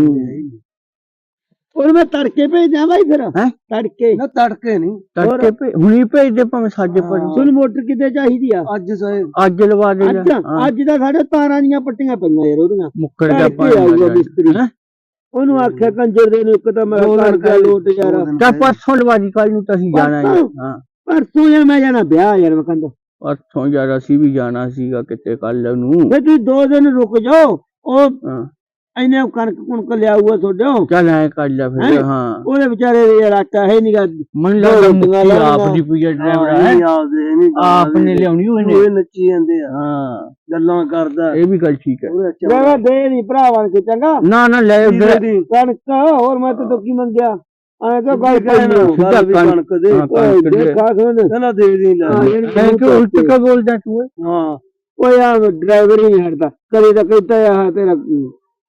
B: ਹੁਣ ਮੈਂ ਤੜਕੇ ਭੇਜਾਂ ਬਾਈ ਫਿਰ
D: ਹੈਂ?
B: ਤੜਕੇ
E: ਨਾ ਤੜਕੇ ਨਹੀਂ
D: ਤੜਕੇ ਭੇ ਹੁਣੀ ਭੇਜ ਦੇ ਭਾਵੇਂ ਸਾਡੇ ਪਰ
B: ਸੁਣ ਮੋਟਰ ਕਿਤੇ ਚਾਹੀਦੀ ਆ
E: ਅੱਜ ਸਹੀ
D: ਅੱਜ ਲਵਾ ਦੇ
B: ਅੱਜ ਅੱਜ ਦਾ ਸਾਡੇ ਤਾਰਾਂ ਦੀਆਂ ਪੱਟੀਆਂ ਪਈਆਂ ਯਾਰ ਉਹਦੀਆਂ
D: ਮੁੱਕਰ ਜਾ
B: ਤੜਕੇ ਆਊਗਾ
D: ਪਾਣੀ
B: ਮਿਸਤਰੀ ਉਹਨੂੰ ਆਖਿਆ ਕੰਜਰ ਦੇ ਨੂੰ ਇੱਕ ਤਾਂ ਮੈਂ ਕਰ ਗਿਆ ਲੋਟ ਯਾਰ
D: ਤਾਂ ਪਰਸੋਂ ਲਵਾ ਦੀ ਕੱਲ ਨੂੰ ਤਾਂ ਅਸੀਂ ਜਾਣਾ ਹੈ ਹਾਂ
B: ਪਰਸੋਂ ਯਾਰ ਮੈਂ ਜਾਣਾ ਵਿਆਹ ਯਾਰ ਮੈਂ ਕਹਿੰਦਾ
D: ਪਰਸੋਂ ਯਾਰ ਅਸੀਂ ਵੀ ਜਾਣਾ ਸੀਗਾ ਕਿਤੇ ਕੱਲ ਨੂੰ
B: ਫੇ ਤੁਸੀਂ 2 ਦਿਨ ਰੁਕ ਜਾਓ ਉਹ
D: ਹਾਂ
B: ਐਨੇ ਕਣਕ ਕੁਣਕ ਲਿਆਊਗਾ ਤੁਹਾਡੇ
D: ਚੱਲ ਐ ਕਰ ਲੈ ਫਿਰ ਹਾਂ
B: ਉਹਦੇ ਵਿਚਾਰੇ ਦੇ ਯਾਰ ਆਟਾ ਹੈ ਨਹੀਂਗਾ
D: ਮਨ ਲੱਗਦਾ ਮੁੱਕੀ ਆਪ ਦੀ ਪੂਜਾ ਡਰਾਈਵਰ ਹੈ
E: ਆਪਦੇ ਨਹੀਂ
D: ਆਪ ਨੇ ਲਿਆਉਣੀ ਉਹਨੇ
E: ਇਹ ਨੱਚੀ ਜਾਂਦੇ ਆ
D: ਹਾਂ
E: ਗੱਲਾਂ ਕਰਦਾ
D: ਇਹ ਵੀ ਗੱਲ ਠੀਕ ਹੈ
B: ਮੈਂ ਦੇ ਨਹੀਂ ਭਰਾ ਬਣ ਕੇ ਚੰਗਾ
D: ਨਾ ਨਾ ਲੈ
B: ਕਣਕ ਹੋਰ ਮੈਂ ਤਾਂ ਕੀ ਮੰਗਿਆ ਐ ਤਾਂ ਗੱਲ
D: ਸਿੱਧਾ
E: ਕਣਕ ਦੇ
D: ਹਾਂ, ਕਣਕ ਦੇ।
B: ਦੇਖਾ ਸੁਣ
E: ਕਹਿੰਦਾ ਦੇ ਦੀ ਲੈ
D: ਮੈਂ ਕਿ ਉਲਟ ਕਾ ਬੋਲਦਾ ਤੂੰ
E: ਹਾਂ
B: ਉਹ ਯਾਰ ਡਰਾਈਵਰ ਹੀ ਨਹੀਂ ਹਟਦਾ ਕਦੇ ਤਾਂ ਕਹਿੰਦਾ ਆ ਤੇਰਾ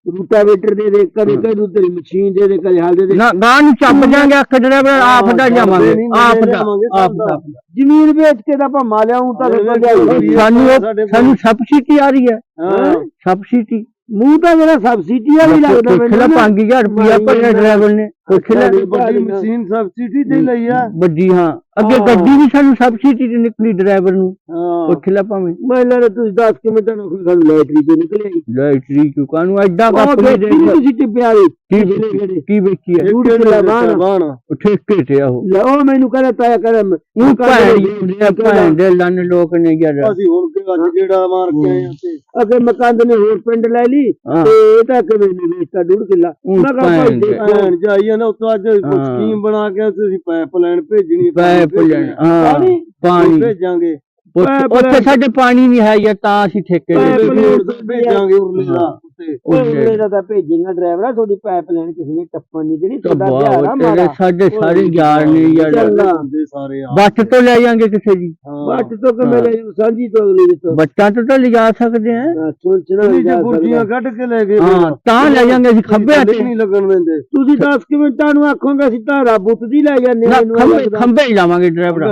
B: ਰੂਟਾਵੇਟਰ ਦੇ ਦੇ, ਕਦੇ ਕਹਿੰਦੇ ਤੇਰੀ ਮਸ਼ੀਨ ਦੇ ਦੇ, ਕਦੇ ਹਾਲ ਦੇ ਦੇ।
D: ਨਾ ਗਾਂ ਨੂੰ ਚੱਪ ਜਾਾਂਗੇ ਅੱਖ ਡਰਾਈਵਰ ਆਪ ਦਾ ਜਾਵਾਂਗੇ ਆਪ ਦਾ
B: ਜ਼ਮੀਨ ਵੇਚ ਕੇ ਤਾਂ ਆਪਾਂ ਮਾਲਿਆ ਹੂੰ ਤਾਂ
D: ਸਾਨੂੰ ਸਬਸਿਡੀ ਆ ਰਹੀ ਹੈ ਸਬਸਿਡੀ
B: ਮੂੰਹ ਤਾਂ ਮੇਰਾ ਸਬਸਿਡੀ ਵਾਲੀ ਲੱਗਦਾ
D: ਮੈਨੂੰ 5000 ਰੁਪਇਆ ਭਰਿਆ ਡਰਾਈਵਰ ਨੇ
E: ਵੱਡੀ ਮਸ਼ੀਨ ਸਬਸਿਡੀ ਤੇ ਲਈ ਆ
D: ਵੱਡੀ ਹਾਂ ਅੱਗੇ ਗੱਡੀ ਵੀ ਸਾਨੂੰ ਸਬਸਿਡੀ ਤੇ ਨਿਕਲੀ ਡਰਾਈਵਰ ਨੂੰ ਪੁੱਛ ਲੈ ਭਾਵੇਂ
B: ਮੈਂ ਲਾ ਤੁਸੀਂ 10 ਮਿੰਟਾਂ ਨੂੰ ਸਾਨੂੰ ਲੈਟਰੀ ਤੇ ਨਿਕਲੇ
D: ਲੈਟਰੀ ਚੁਕਾ ਨੂੰ ਐਡਾ
B: ਤੁਸੀਂ ਟਿੱਪਿਆ
D: ਕੀ ਵੇਚੀ ਹੈ ਠੇਕੇ ਤੇ ਉਹ
B: ਉਹ ਮੈਨੂੰ ਕਹਿੰਦਾ ਤਾਇਆ ਕਹਿੰਦਾ
D: ਭੈਣ ਦੇ ਲੰਨ ਲੋਕ ਨੇ ਯਾਰ
E: ਅਸੀਂ ਹੁਣ ਅੱਜ ਜਿਹੜਾ ਮਾਰ ਕੇ ਆਏ ਆ ਤੇ
B: ਅਗੇ ਮਕਾਨ ਨੇ ਹੋਰ ਪਿੰਡ ਲੈ ਲਈ ਤੇ ਇਹ ਤਾਂ ਕਿਵੇਂ ਨਹੀਂ ਵੇਚਦਾ 1.5 ਕਿੱਲਾ ਮੈਂ ਕਿਹਾ
E: ਭੈਣ ਜਾਈਏ ਨਾ ਉੱਤੋਂ ਅੱਜ ਸਕੀਮ ਬਣਾ ਕੇ ਤੁਸੀਂ ਪਾਈਪ ਲਾਈਨ ਭੇਜਣੀ
D: ਪਾਈਪ ਲਾਈਨ ਪਾਣੀ
E: ਭੇਜਾਂਗੇ
D: ਉੱਥੇ ਸਾਡੇ ਪਾਣੀ ਨਹੀਂ ਹੈ ਯਾਰ ਤਾਂ ਅਸੀਂ ਠੇਕੇ
E: ਭੇਜਾਂਗੇ ਉਰਲੇ ਦਾ
B: ਉਰਲੇ ਦਾ ਤਾਂ ਭੇਜੇਗਾ ਡਰਾਈਵਰ ਤੁਹਾਡੀ ਪਾਈਪ ਲਾਈਨ ਕਿਸੇ ਨੇ ਟੱਪਣ ਨਹੀਂ ਜਿਹੜੀ ਤੁਹਾਡਾ ਪਿਆਰ ਆ ਮਾਰਾ
D: ਸਾਡੇ ਸਾਰੇ ਯਾਰ ਨੇ ਯਾਰ
E: ਸਾਰੇ
D: ਬੱਟ ਤੋਂ ਲੈ ਜਾਾਂਗੇ ਕਿਸੇ ਦੀ
B: ਬੱਟ ਤੋਂ ਕਿ ਮੇਰੇ ਸਾਂਝੀ ਤੋਂ ਅਗਲੀ ਤੋਂ
D: ਬੱਟਾਂ ਤੋਂ ਤਾਂ ਲਿਜਾ ਸਕਦੇ ਆ
E: ਗੁਰਜੀਆਂ ਕੱਢ ਕੇ ਲੈ ਗਏ
D: ਹਾਂ ਤਾਂ ਲੈ ਜਾਾਂਗੇ ਅਸੀਂ ਖੱਬੇ ਹੱਥ
E: ਨਹੀਂ ਲੱਗਣ ਦਿੰਦੇ
B: ਤੁਸੀਂ 10 ਮਿੰਟਾਂ ਨੂੰ ਆਖੋਗੇ ਅਸੀਂ ਤਾਂ ਬੁੱਤ ਦੀ ਲੈ ਜਾਂਦੇ
D: ਖੰਭੇ ਹੀ ਲਾਵਾਂਗੇ ਡਰਾਈਵਰ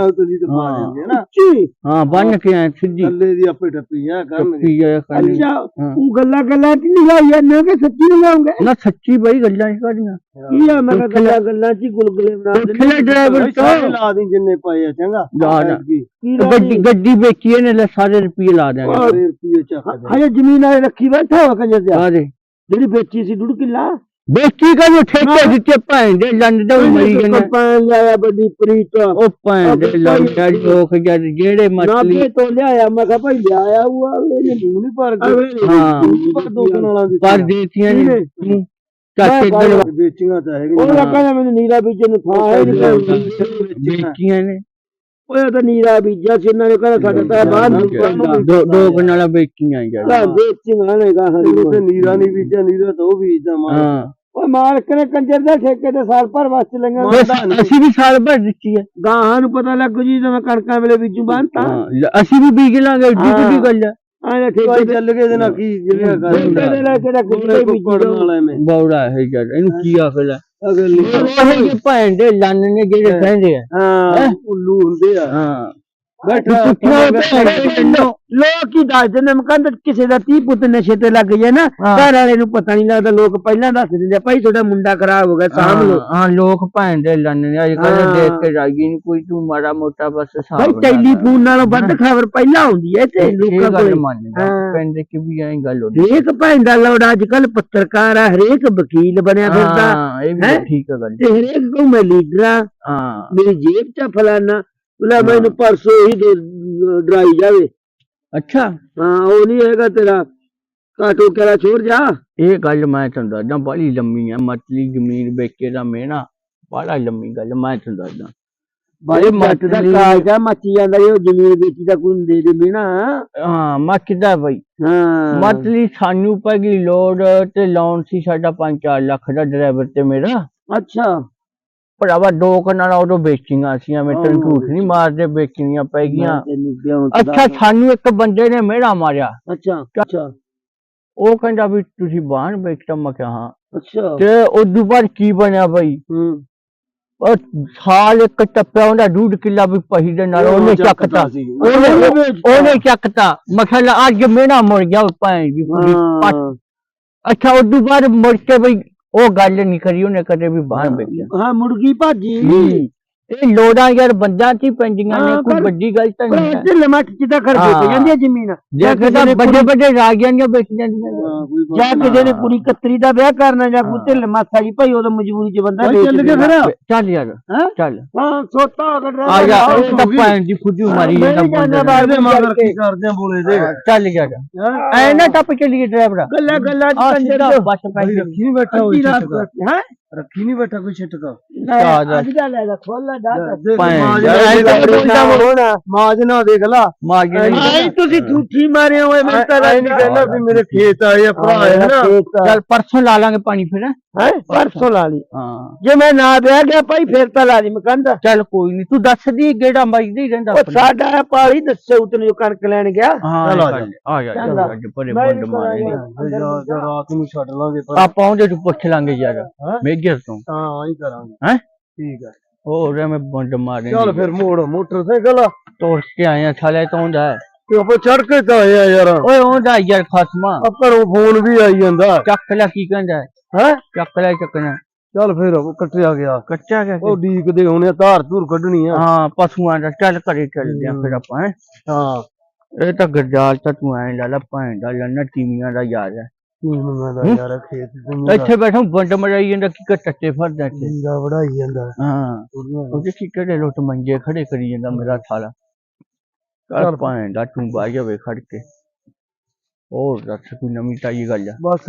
D: ਹਾਂ ਬੰਨ ਕੇ ਆਏ ਸਿੱਧੀ
E: ਥੱਲੇ ਦੀ ਆਪੇ ਟੱਪੀ ਆ ਕਰਨਗੇ
B: ਅੱਛਾ ਉਹ ਗੱਲਾਂ ਚ ਨਹੀਂ ਲਾਈ ਜਾਂਦੇ ਕਿ ਸੱਚੀ ਨਹੀਂ ਲਾਉਂਗੇ
D: ਨਾ ਸੱਚੀ ਬਈ ਗੱਲਾਂ ਹੀ ਕਾਦੀਆਂ
B: ਕੀ ਆ ਮੈਂ ਗੱਲਾਂ ਚ ਗੁਲਗੁਲੇ ਬਣਾ
D: ਦਿੰਦੇ ਡਰਾਈਵਰ
E: ਸਾਰੇ ਲਾ ਦੀ ਜਿੰਨੇ ਪਏ ਆ ਚੰਗਾ
D: ਗੱਡੀ ਵੇਚੀ ਇਹਨੇ ਲੈ ਸਾਰੇ ਰੁਪਏ ਲਾ ਦਿਆਂਗੇ
E: ਸਾਰੇ ਰੁਪਏ ਚੱਕ
B: ਹਜੇ ਜ਼ਮੀਨ ਵਾਲੇ ਰੱਖੀ ਬੈਠਾ ਹੋ ਕੰਜਰ ਤੇ
D: ਆਦੇ
B: ਜਿਹੜੀ ਵੇਚੀ ਸੀ 1.5 ਕਿੱਲਾ
D: ਵੇਚੀ ਕਾ ਜੋ ਠੇਕੇ ਦਿੱਤੇ ਭੈਣ ਦੇ ਲੰਨ ਦੇ ਮਰੀ ਗਏ
B: ਪਾਣ ਲਿਆਇਆ ਵੱਡੀ ਪ੍ਰੀਤ
D: ਉਹ ਭੈਣ ਦੇ ਲੰਨ ਦੇ ਲੋਕ ਜਿਹੜੇ ਮਛਲੀ
B: ਨਾਭੇ ਤੋਂ ਲਿਆਇਆ ਮੈਂ ਕਿਹਾ ਭਾਈ ਲਿਆਇਆ ਉਹ ਇਹਨੇ ਮੂੰਹ ਨਹੀਂ ਭਰ
D: ਹਾਂ
E: ਪਰ ਦੋਸਤਾਂ ਵਾਲਾ ਦੀ
D: ਪਰ ਦੇਤੀਆਂ ਨੇ ਚਾਚੇ ਦੇ
E: ਵੇਚੀਆਂ ਤਾਂ ਹੈਗੀਆਂ
B: ਉਹ ਕਹਿੰਦਾ ਮੈਨੂੰ ਨੀਰਾ ਬੀਜਣ ਨੂੰ ਥਾਂ ਹੈ ਨਹੀਂ
D: ਵੇਚੀਆਂ ਨੇ
B: ਉਹ ਤਾਂ ਨੀਰਾ ਬੀਜਿਆ ਸੀ ਇਹਨਾਂ ਨੇ ਕਹਿੰਦਾ ਸਾਡਾ ਤਾਂ ਬਾਹਰ ਨੂੰ
D: ਦੋ ਕਨਾਲਾ ਵੇਚੀਆਂ ਯਾਰ
B: ਵੇਚੀਆਂ ਨੇ ਗਾਹਾਂ
E: ਤੇ ਨੀਰਾ ਨਹੀਂ ਬੀਜਿਆ ਨੀਰਾ ਤਾਂ ਉਹ ਬੀਜਦਾ ਮਾਰ
B: ਉਹ ਮਾਲਕ ਨੇ ਕੰਜਰ ਦੇ ਠੇਕੇ ਤੇ ਸਾਲ ਭਰ ਵਾਸਤੇ ਲੰਗਾ
D: ਅਸੀਂ ਵੀ ਸਾਲ ਭਰ ਦਿੱਤੀ ਹੈ
B: ਗਾਹਾਂ ਨੂੰ ਪਤਾ ਲੱਗੂ ਜੀ ਜਦੋਂ ਕਣਕਾਂ ਵੇਲੇ ਬੀਜੂ ਬੰਨਤਾ
D: ਅਸੀਂ ਵੀ ਬੀਜ ਲਾਂਗੇ ਏਡੀ ਵੱਡੀ ਗੱਲ ਹੈ
B: ਆਇਆ ਠੇਕੇ
E: ਚੱਲ ਗਏ ਦੇ ਨਾ ਕੀ ਜਿਹੜਾ
B: ਲੈ ਕਿਹੜਾ ਕੁੱਤੇ ਬੀਜਣ
E: ਵਾਲਾ ਐਵੇਂ
D: ਬੌੜਾ ਹੈ ਯਾਰ ਇਹਨੂੰ ਕੀ ਆਖਦਾ
E: ਅਗਲੀ
D: ਉਹ ਭੈਣ ਦੇ ਲੰਨ ਨੇ ਜਿਹੜੇ ਕਹਿੰਦੇ ਆ
B: ਹਾਂ
E: ਉੱਲੂ ਹੁੰਦੇ ਆ
D: ਹਾਂ
B: ਲੋਕ ਹੀ ਦੱਸਦੇ ਨੇ ਕਹਿੰਦੇ ਕਿਸੇ ਦਾ 30 ਪੁੱਤ ਨਸ਼ੇ ਤੇ ਲੱਗ ਜਾਏ ਨਾ ਘਰ ਵਾਲੇ ਨੂੰ ਪਤਾ ਨਹੀਂ ਲੱਗਦਾ ਲੋਕ ਪਹਿਲਾਂ ਦੱਸ ਦਿੰਦੇ ਭਾਈ ਤੁਹਾਡਾ ਮੁੰਡਾ ਖਰਾਬ ਹੋ ਗਿਆ ਸਾਂਭ ਲੋ
D: ਹਾਂ ਲੋਕ ਭੈਣ ਦੇ ਲੰਨ ਨੇ ਅੱਜ ਕੱਲ ਦੇਖ ਕੇ ਰਾਜੀ ਨਹੀਂ ਕੋਈ ਤੂੰ ਮਾੜਾ ਮੋਟਾ ਬਸ
B: ਭਾਈ ਟੈਲੀਫੋਨ ਨਾਲੋਂ ਵੱਧ ਖਬਰ ਪਹਿਲਾਂ ਆਉਂਦੀ ਹੈ ਤੇ ਲੋਕਾਂ ਕੋਲ
D: ਪਿੰਡ ਦੇ ਕਿ ਵੀ ਐਂ ਗੱਲ ਹੁੰਦੀ
B: ਹਰੇਕ ਭੈਣ ਦਾ ਲੋੜ ਅੱਜ ਕੱਲ ਪੱਤਰਕਾਰ ਆ ਹਰੇਕ ਵਕੀਲ ਬਣਿਆ ਫਿਰਦਾ
D: ਇਹ ਵੀ ਠੀਕ ਹੈ ਗੱਲ
B: ਤੇ ਹਰੇਕ ਕੋ ਮੈਂ ਲੀਡਰ ਆ ਮੇਰੀ ਜੇਬ ਚ ਫਲਾਨਾ ਲੈ ਮੈਨੂੰ ਪਰਸੋਂ ਹੀ ਡਰਾਈ ਜਾਵੇ
D: ਅੱਛਾ
B: ਹਾਂ ਉਹ ਨਹੀਂ ਹੈਗਾ ਤੇਰਾ ਕਾਟੋ ਕਿਹੜਾ ਛੋੜ ਜਾ
D: ਇਹ ਗੱਲ ਮੈਂ ਤੁਹਾਨੂੰ ਦੱਸਦਾ ਬੜੀ ਲੰਮੀ ਹੈ ਮਤਲੀ ਜ਼ਮੀਨ ਵੇਚੇ ਦਾ ਮੇਣਾ ਬੜਾ ਲੰਮੀ ਗੱਲ ਮੈਂ ਤੁਹਾਨੂੰ ਦੱਸਦਾ
B: ਬਾਈ ਮੱਚ ਦਾ ਕਾਜਾ ਮੱਚੀ ਜਾਂਦਾ ਉਹ ਜ਼ਮੀਨ ਵੇਚੀ ਦਾ ਕੋਈ ਦੇ ਦੇ ਮੇਣਾ
D: ਹਾਂ ਮੱਚਦਾ ਬਈ
B: ਹਾਂ
D: ਮਤਲੀ ਸਾਨੂੰ ਪੈ ਗਈ ਲੋੜ ਤੇ ਲੋਨ ਸੀ ਸਾਡਾ 5-4 ਲੱਖ ਦਾ ਡਰਾਈਵਰ ਤੇ ਮੇਰਾ
B: ਅੱਛਾ
D: ਭਰਾਵਾ ਦੋ ਕਨਾਲਾਂ ਉਦੋਂ ਵੇਚੀਆਂ ਸੀ ਮੈਂ ਤੈਨੂੰ ਝੂਠ ਨਹੀਂ ਮਾਰਦੇ ਵੇਚਣੀਆਂ ਪੈ ਗਈਆਂ ਅੱਛਾ ਸਾਨੂੰ ਇੱਕ ਬੰਦੇ ਨੇ ਮੇੜਾ ਮਾਰਿਆ
B: ਅੱਛਾ ਅੱਛਾ
D: ਉਹ ਕਹਿੰਦਾ ਵੀ ਤੁਸੀਂ ਬਾਹਰ ਵੇਚਤਾ ਮੈਂ ਕਿਹਾ ਹਾਂ
B: ਅੱਛਾ
D: ਤੇ ਉਦੋਂ ਬਾਅਦ ਕੀ ਬਣਿਆ ਬਈ ਉਹ ਸਾਲ ਇੱਕ ਟੱਪਿਆ ਉਹਦਾ 1.5 ਕਿੱਲਾ ਵੀ ਪਹੀ ਦੇ ਨਾਲ ਉਹਨੇ ਚੱਕਤਾ ਉਹਨੇ ਚੱਕਤਾ ਮਸਲਾ ਅੱਜ ਮੇੜਾ ਮੁੜ ਗਿਆ ਭੈਣ ਜੀ ਅੱਛਾ ਉਦੋਂ ਬਾਅਦ ਮੁੜ ਕੇ ਬਈ ਉਹ ਗੱਲ ਨਹੀਂ ਕਰੀ ਉਹਨੇ ਕਦੇ ਵੀ ਬਾਹਰ ਵੇਚਿਆ
B: ਹਾਂ ਮੁਰਗੀ ਭਾਜੀ
D: ਇਹ ਲੋੜਾਂ ਯਾਰ ਬੰਦਿਆਂ ਚ ਹੀ ਪੈਂਦੀਆਂ ਨੇ ਕੋਈ ਵੱਡੀ ਗੱਲ ਤਾਂ ਨਹੀਂ ਹੈ
B: ਢਿੱਲ ਮੱਠ ਚ ਤਾਂ ਖਰਚ ਹੋ ਜਾਂਦੀ ਹੈ ਜ਼ਮੀਨ
D: ਦੇਖਦਾ ਵੱਡੇ ਵੱਡੇ ਰਾਗੀਆਂ ਦੀਆਂ ਵੇਚ ਜਾਂਦੀਆਂ
B: ਜਾਂ ਕਿਸੇ ਨੇ ਕੁੜੀ ਕਤਰੀ ਦਾ ਵਿਆਹ ਕਰਨਾ ਜਾਂ ਕੋਈ ਢਿੱਲ ਮਾਸਾ ਜੀ ਭਾਈ ਉਦੋਂ ਮਜਬੂਰੀ ਚ ਬੰਦਾ
E: ਚੱਲ ਕੇ ਫਿਰ
D: ਚੱਲ ਯਾਰ ਚੱਲ
B: ਹਾਂ ਸੋਤਾ
D: ਆ ਜਾ ਇਹ ਤਾਂ ਭੈਣ ਦੀ ਫੁੱਦੀ ਮਾਰੀ ਜਾਂਦਾ
E: ਬਾਹਰ ਮਗਰ ਕੀ ਕਰਦੇ ਆ ਬੋਲੇ ਦੇ
D: ਚੱਲ ਯਾਰ ਐ ਨਾ ਟੱਪ ਚੱਲੀਏ ਡਰਾਈਵਰ
B: ਗੱਲਾਂ ਚ ਕੰਜਰ
D: ਬਸ ਪੈ
E: ਰੱਖੀ ਬੈਠਾ ਹੋਈ
B: ਹੈ
E: ਰੱਖੀ ਨਹੀਂ ਬੈਠਾ ਕੋਈ ਛਿੱਟ ਤਾਂ
B: ਅੱਜ ਦਾ ਲੈ ਲੈ ਖੋਲ ਲੈ
D: ਭੈਣ
E: ਮਾਜ ਨਾ ਦੇਖ ਲਾ
B: ਆਈ ਤੁਸੀਂ ਝੂਠੀ ਮਾਰੇ ਹੋਏ ਮੈਂ ਤਾਂ
E: ਐ ਨਹੀਂ ਕਹਿੰਦਾ ਵੀ ਮੇਰੇ ਖੇਤ ਆਏ ਆ ਭਰਾ ਹੈ ਨਾ
D: ਚੱਲ ਪਰਸੋਂ ਲਾ ਲਾਂਗੇ ਪਾਣੀ ਫਿਰ ਹੈਂ?
B: ਹੈ ਪਰਸੋਂ ਲਾ ਲਈ
D: ਹਾਂ
B: ਜੇ ਮੈਂ ਨਾ ਵਿਆਹ ਗਿਆ ਭਾਈ ਫੇਰ ਤਾਂ ਲਾ ਲਈ ਮਕੰਦਾ
D: ਚੱਲ ਕੋਈ ਨਹੀਂ ਤੂੰ ਦੱਸ ਦੀ ਗੇੜਾ ਵੱਜਦਾ ਹੀ ਰਹਿੰਦਾ
B: ਉਹ ਸਾਡਾ ਪਾਲੀ ਦੱਸੇ ਉਤਨ ਜੋ ਕਣਕ ਲੈਣ ਗਿਆ
D: ਹਾਂ
E: ਚੱਲ ਆ
D: ਆ ਜਾ
B: ਚੱਲ
D: ਚੱਲ ਅੱਜ ਪਰੇ
B: ਮੈਂ
D: ਬੰਦ
B: ਵੀ
D: ਮਾਰੇ
B: ਕਰਾਂਗਾ।
E: ਰਾਤ ਨੂੰ ਛੱਡ ਲਾਂਗੇ ਪਰ
D: ਆਪਾਂ ਉਹਦੇ ਤੋਂ ਪੁੱਛ ਲਾਂਗੇ ਯਾਰ ਮੇਜਰ ਤੋਂ
E: ਹਾਂ ਹੀ ਕਰਾਂਗੇ
D: ਹੈਂ?
E: ਠੀਕ ਹੈ
D: ਹੋਰ ਐਵੇਂ ਬੰਦ ਮਾਰੇ
E: ਚੱਲ ਫਿਰ ਮੋੜ ਮੋਟਰਸਾਈਕਲ
D: ਤੋੜ ਕੇ ਆਏ ਆ ਸਾਲੇ ਤੋਂ ਹੁੰਦਾ
E: ਤੇ ਆਪਾਂ ਚੜ ਕੇ ਤਾਂ ਆਏ ਆ ਯਾਰ
D: ਓਏ ਉਹਦਾ ਯਾਰ ਖਸਮਾ
E: ਆ ਘਰੋਂ ਫੋਨ ਵੀ ਆਈ ਜਾਂਦਾ
D: ਚੱਕ ਲੈ ਕੀ ਕਹਿੰਦਾ
E: ਹੈ
D: ਚੱਕ ਲੈ ਚੱਕਣਾ
E: ਚੱਲ ਫਿਰ ਉਹ ਕੱਟਿਆ ਗਿਆ
D: ਕੱਚਾ ਗਿਆ
E: ਉਹ ਡੀਕਦੇ ਹੋਣੇ ਧਾਰ ਧੂਰ ਕੱਢਣੀ ਆ
D: ਹਾਂ ਪਸ਼ੂਆਂ ਦਾ ਚੱਲ ਘਰੇ ਚੱਲਦੇ ਆ ਫਿਰ ਆਪਾਂ ਹੈਂ?
E: ਹਾਂ
D: ਇਹ ਤਾਂ ਗਰਜਾਲ ਤਾਂ ਤੂੰ ਐ ਲਾ ਲਾ ਭੈਣ ਦਾ ਲੰਨਾ ਟੀਵੀਆਂ ਦਾ ਯਾਰ ਹੈ
E: ਕੀ ਮੰਗਦਾ ਯਾਰ ਖੇਤ ਤੇ
D: ਇੱਥੇ ਬੈਠਾ ਬੰਡ ਮਰਾਈ ਜਾਂਦਾ ਕੀ ਟੱਟੇ ਫਰਦਾ ਇੱਥੇ
E: ਦਾ ਵੜਾਈ ਜਾਂਦਾ
D: ਹਾਂ ਉਹਦੇ ਕੀ ਕਿਹੜੇ ਲੋਟ ਮੰਜੇ ਖੜੇ ਕਰੀ ਜਾਂਦਾ ਮੇਰਾ ਥਾਲਾ ਚੱਲ ਭੈਣ ਦਾ ਤੂੰ ਬਾਈ ਜਾਵੇ ਖੜ ਕੇ ਹੋਰ ਦੱਸ ਕੋਈ ਨਵੀਂ ਤਾਜੀ ਗੱਲ ਆ
E: ਬਸ